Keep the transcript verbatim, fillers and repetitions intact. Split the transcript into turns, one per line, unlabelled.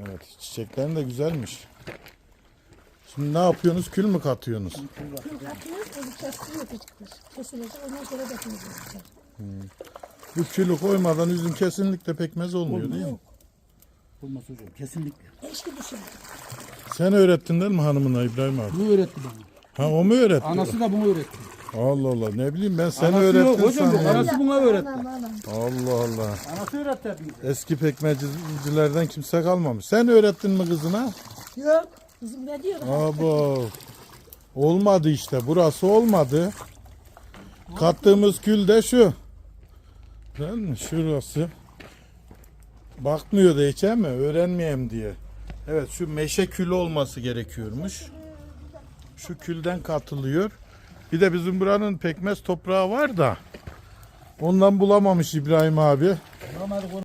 Evet, çiçeklerin de güzelmiş. Şimdi ne yapıyorsunuz? Kül mü katıyorsunuz?
Kül katıyoruz, onu kestiriyor küçükler. Kesilecek, ondan sonra dökülecek.
Bu külü koymadan üzüm kesinlikle pekmez olmuyor değil mi?
Olmaz hocam kesinlikle.
Eşki dışarı.
Sen öğrettin değil mi hanımına İbrahim abi?
Bu öğretti bana.
Ha o mu öğretti?
Anası da bunu öğretti.
Allah Allah ne bileyim ben seni
Anası yok
öğrettin
hocam, bu
sanıyorum.
anası buna öğretti.
Anam anam.
Allah Allah.
Anası öğretti hepimize.
Eski pekmezcilerden kimse kalmamış. Sen öğrettin mi kızına?
Yok. Bizim ne diyor?
Abo. Olmadı işte. Burası olmadı. Kattığımız kül de şu. Değil mi? Şurası. Bakmıyor da hiç ama öğrenmeyeyim diye. Evet şu meşe külü olması gerekiyormuş. Şu külden katılıyor. Bir de bizim buranın pekmez toprağı var da ondan bulamamış İbrahim abi.
Normalde